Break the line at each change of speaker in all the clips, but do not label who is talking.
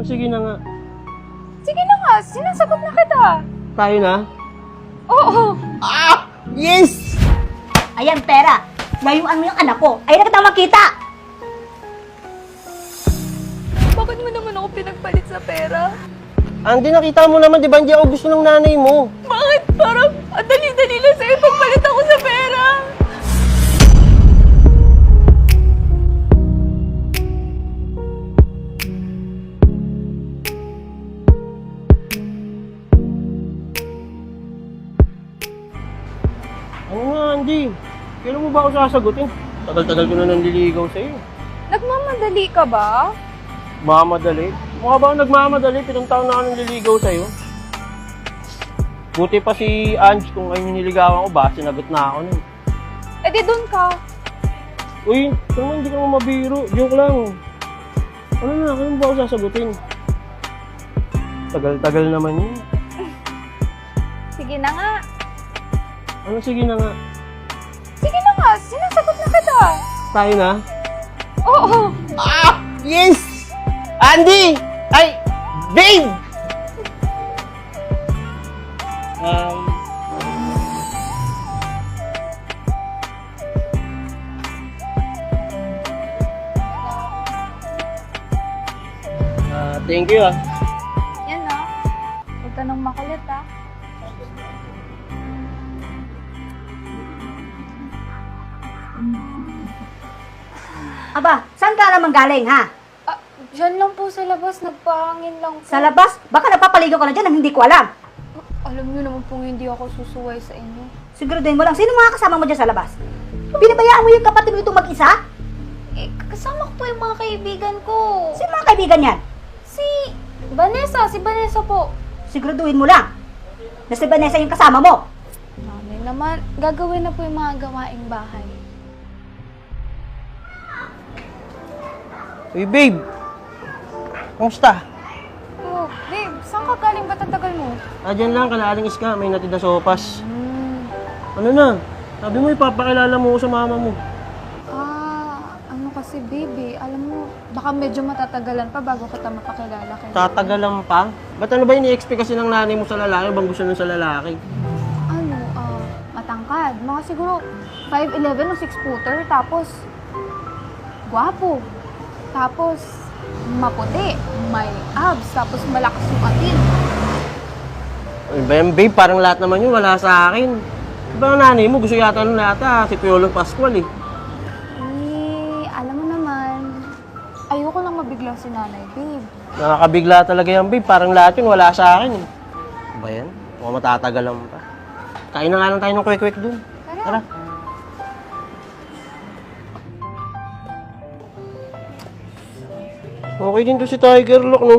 sige na nga.
Sige na nga, sinasagot na kita.
Tayo na?
Oo.
Ah! Yes!
Ayan, pera. Layuan mo yung anak ko. Ay, na kita makita.
Bakit mo naman ako pinagpalit sa pera?
Andy, nakita mo naman, di ba? Hindi ako gusto ng nanay mo.
Bakit? Parang ang dali-dali lang sa'yo pagpalit ako sa pera.
Ano nga, Andy? Kailan mo ba ako sasagutin? Tagal-tagal ko na nanliligaw sa'yo.
Nagmamadali ka ba?
Mamadali? Mukha ba ako nagmamadali? 7 taon na ako nanliligaw sa'yo. Buti pa si Ange kung ay niligawan ko ba, sinagot na ako nun.
Eh di dun ka.
Uy, naman hindi ka mo mabiro. Joke lang. Ano na, kailan ba ako sasagutin? Tagal-tagal naman yun.
Sige na nga.
Ano, sige na nga.
Sige na nga, sinasagot na kita.
Tayo na?
Oo.
Ah! Yes! Andy! Ay! Babe! Thank you
Yan na. Huwag ka nang makulit
Aba, saan ka naman galing, ha?
Diyan lang po sa labas, nagpahangin lang po.
Sa labas? Baka napapaligaw ka na dyan nang hindi ko alam.
Alam niyo naman pong hindi ako susuway sa inyo.
Siguraduhin mo lang, sino mga kasama mo dyan sa labas? Binabayaan mo yung kapatid mo itong mag-isa?
Eh, kasama ko po yung mga kaibigan ko.
Sino mga kaibigan yan?
Si Vanessa po.
Siguraduhin mo lang na si Vanessa yung kasama mo.
Mami naman, gagawin na po yung mga gawaing bahay.
Uy, babe! Kumusta?
Oh, babe, saan ka galing? Ba't ang tagal mo?
Dyan lang, kalaaling ka. May natid na sopas. Ano na? Sabi mo, ipapakilala mo ko sa mama mo.
Ano kasi, baby, alam mo, baka medyo matatagalan pa bago kita mapakilala kay
Tatagalan pa? Ba't ano ba ini-expect kasi ng nanay mo sa lalaki? Bang gusto nun sa lalaki?
Ano, matangkad. Mga siguro 5'11 o 6-footer, tapos gwapo. Tapos maputi, may abs, tapos malakas yung atin.
Ano ba yan, babe? Parang lahat naman yun, wala sa akin. Diba ang nanay mo, gusto yata nun nata, si Piolo Pascual eh.
Alam mo naman, ayoko lang mabigla si nanay, babe.
Nakakabigla talaga yan, babe. Parang lahat yun, wala sa akin eh. Ano ba yan? Mukhang matatagalan pa. Kain na nga lang tayo ng kwek-kwek dun. Tara. Okay din to si Tiger Lock, no?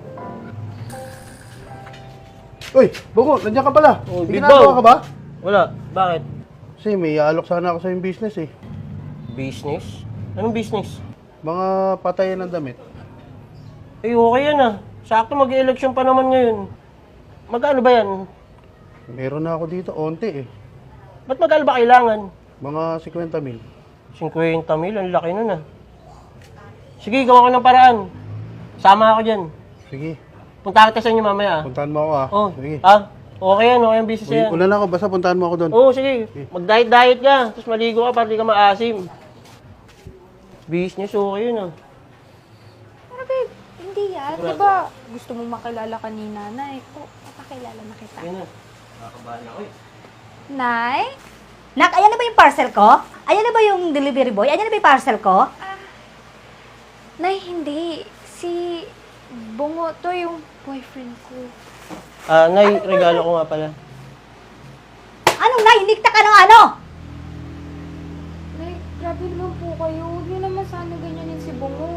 Uy, Bungo, nandiyan ka pala.
Oh,
May
Bibaw.
ginagawa ka ba?
Wala. Bakit?
Kasi may alok sana ako sa yung business eh.
Business? Anong business?
Mga patayan ng damit.
Eh, okay yan ah. Sakto mag-election pa naman ngayon. Magkano ba yan?
Meron na ako dito, onti eh.
Ba't magkano ba kailangan?
Mga 50 mil.
50 mil, ang laki nun ah. Sige, gawa ko ng paraan. Sama ako dyan.
Sige,
Punta kita sa inyo mamaya ah.
puntahan mo ako ah.
Oh,
Sige.
okay yan, okay ang business yan.
Una na ako, basta puntahan mo ako doon.
Oo, sige. Mag-diet-diet ka. Tapos maligo ka para di ka maasim. Business, okay yun ah.
Pero babe, hindi yan. Diba gusto mo makilala ka ni nanay? Papakilala na kita.
Yan na. Nakakabahan ako eh.
Nay?
Nak, ayan na ba yung parcel ko? Ayan na ba yung delivery boy? Ayan na ba yung parcel ko?
Nay, hindi. Si Bungo, to yung boyfriend ko.
Nay, regalo ko nga pala.
Anong nahinikta ka ng ano?
Nay, grabe naman po kayo. Huwag niyo naman sana ganyanin si Bungo.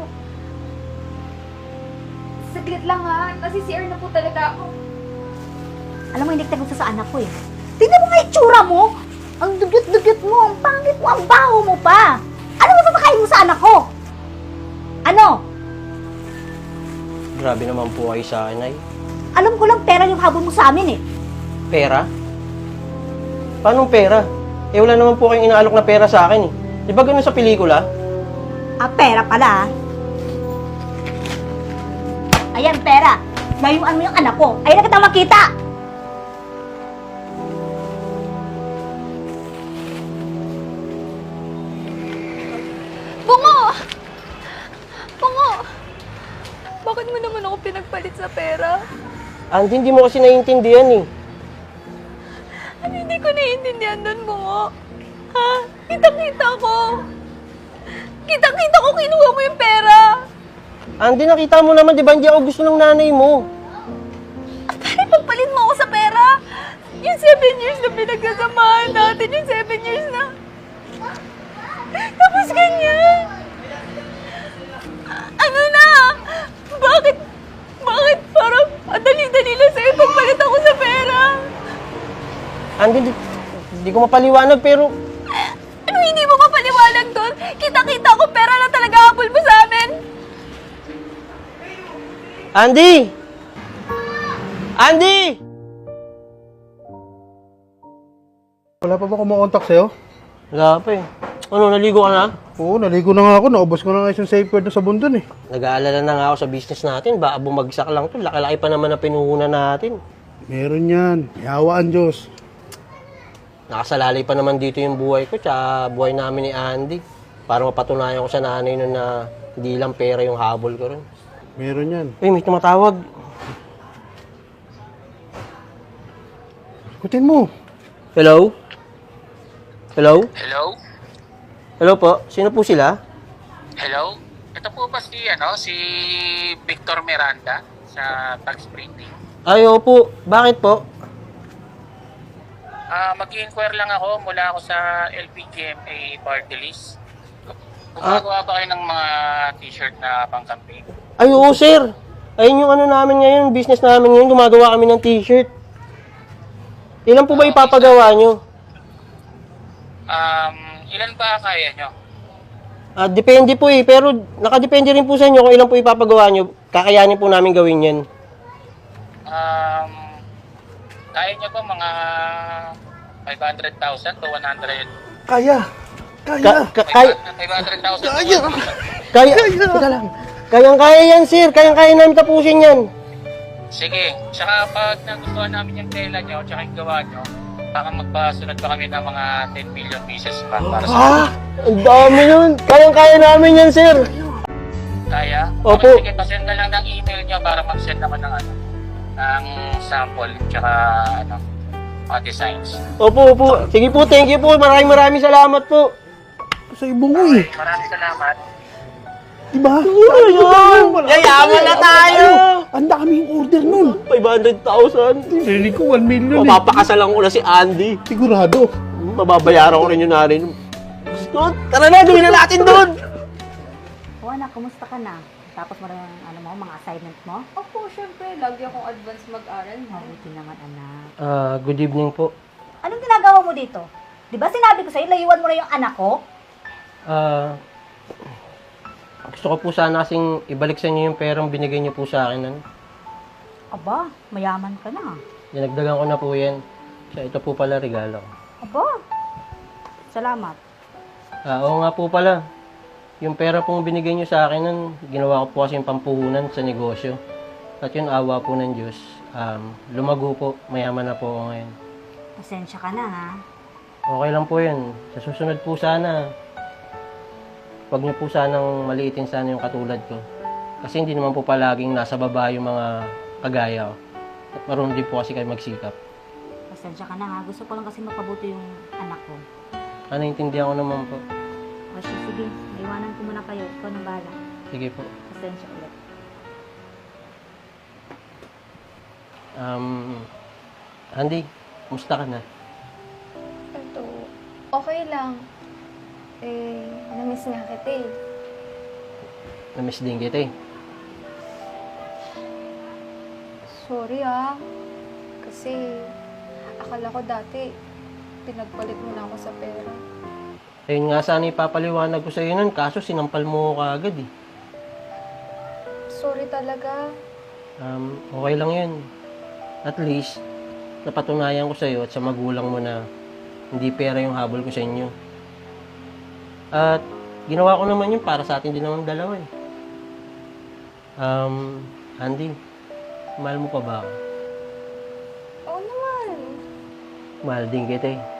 Saglit lang ha. Nasi-CR na po talaga ako.
Alam mo, hinikta ko sa anak ko eh. Tingnan mo nga yung tsura mo. Ang dugyot-dugyot mo, ang pangit mo, ang baho mo pa. Ano mo papakain mo sa anak ko? Ano?
Grabe naman po kayo sa akin, Nay.
Alam ko lang pera yung habol mo sa amin eh.
Pera? Paanong pera? Eh, wala naman po kayong inaalok na pera sa akin eh. Di ba ganun sa pelikula?
Ah, pera pala ah. Ayan, pera. Layuan mo yung anak ko. Ayun na kitang makita.
Bungo! Bungo! Bakit mo naman ako pinagpalit sa pera?
Andy, hindi mo kasi naiintindihan eh.
Ano hindi ko naiintindihan doon, Bungo? Ha? Kitang-kita ko! Kitang-kita ko kinuha mo yung pera!
Andy, nakita mo naman, di ba, hindi ako gusto ng nanay mo.
Paano pagpalit mo ako sa pera? Yung 7 years na pinagsasamahan natin, yung 7 years na... Tapos ganyan! Ano na? Bakit parang ang dali-dali lang sa'yo pagpalit ako sa pera?
Andy, hindi ko mapaliwanag, pero
Ano hindi mo mapaliwanag doon? Kita-kita ko pera na talaga habol mo sa amin!
Andy! Andy!
Wala pa ba kumakontak sa'yo?
Wala pa eh. Ano, naligo ka na?
Oo, naligo na nga ako. Naubos ko na nga yung safe word sa bundon eh.
Nag-aalala na nga ako sa business natin. Baka bumagsak lang to. Laki-laki pa naman na pinuhunan natin.
Meron yan. Ihawaan Diyos.
Nakasalalay pa naman dito yung buhay ko, tsaka buhay namin ni Andy. Para mapatunayan ko sa nanay nun na hindi lang pera yung habol ko rin.
Meron yan.
Uy, may tumatawag.
Ikutin mo.
Hello? Hello?
Hello?
Hello po? Sino po sila?
Hello? Ito po ba si Victor Miranda sa tax printing?
Ay, opo. Bakit po?
Mag-inquire lang ako mula ako sa LPGMA party list. Gumagawa ba kayo ng mga t-shirt na pang-campaign?
Ay, oo, sir. Ayun yung ano namin ngayon, business namin ngayon. Gumagawa kami ng t-shirt. Ilan po ba ipapagawa nyo?
Ilan ba kaya nyo?
Depende po eh. Pero nakadepende rin po sa inyo kung ilan po ipapagawa nyo. Kakayanin po namin gawin yan.
Kaya nyo ba mga 500,000 to 100?
Kaya.
Kaya.
500,000
Kaya.
Kaya. Teka lang. Kayang-kaya yan, sir. Kayang-kaya namin tapusin yan.
Sige. Tsaka pag nagustuhan namin yung tela nyo, tsaka yung gawa nyo, baka magpasunod pa kami ng mga 10 million pieces para sa
Ang dami nun. Kayang-kaya namin yan, sir.
Kaya?
Opo.
Okay, sige, pasend na lang ng email nyo para mag-send naman ng ng sample tsaka mga designs.
Opo, opo. Sige po, thank you po. Maraming salamat po.
Sa ibong mo eh.
Maraming salamat.
Diba?
Yayaman na tayo.
Ang daming order nun.
500,000.
Hindi ko 1 million eh.
Mapapakasalan ko na si Andy.
Sigurado.
Mababayaran ko rin yung narin. Gusto, tara na, gawin na natin doon.
O anak, kumusta ka na? Tapos mo rin mga assignment mo?
Opo, syempre. Lagi akong advance mag-aral.
Mabuti naman, anak.
Good evening po.
Anong ginagawa mo dito? Di ba sinabi ko sa'yo, layuan mo na yung anak ko?
Gusto ko po sana kasing ibalik sa inyo yung perang binigay niyo po sa akin.
Aba, mayaman ka na.
Dinagdagan ko na po yan. So, ito po pala regalo.
Aba, salamat.
Oo nga po pala. Yung pera pong binigay niyo sa akin nun, ginawa ko po kasi yung pampuhunan sa negosyo. At yun, awa po ng Diyos. Lumago po, mayaman na po ako ngayon.
Pasensya ka na, ha?
Okay lang po yun. Sa susunod po sana, huwag niyo po sanang maliitin sana yung katulad ko. Kasi hindi naman po palaging nasa baba yung mga kagaya ko. At marunong din po kasi kayo magsikap.
Pasensya ka na, ha? Gusto ko lang kasi mapabuti yung anak ko.
Naintindihan ko naman po.
O sige, maiwanan ko muna kayo. Ikaw na bahala.
Sige po.
Pasensya ulit.
Andy, kumusta ka na?
Ito, okay lang. Na-miss nga kita eh.
Namiss din kita eh.
Sorry ah. Kasi akala ko dati pinagpalit mo na ako sa pera.
Ayun nga sana ipapaliwanag ko sa iyo nun, kaso sinampal mo ko agad eh.
Sorry talaga.
Okay lang yun. At least, napatunayan ko sa iyo at sa magulang mo na hindi pera yung habol ko sa inyo. At ginawa ko naman yun para sa atin din naman dalawa eh. Andy, mahal mo pa ba ako?
Oo naman.
Mahal din kita eh.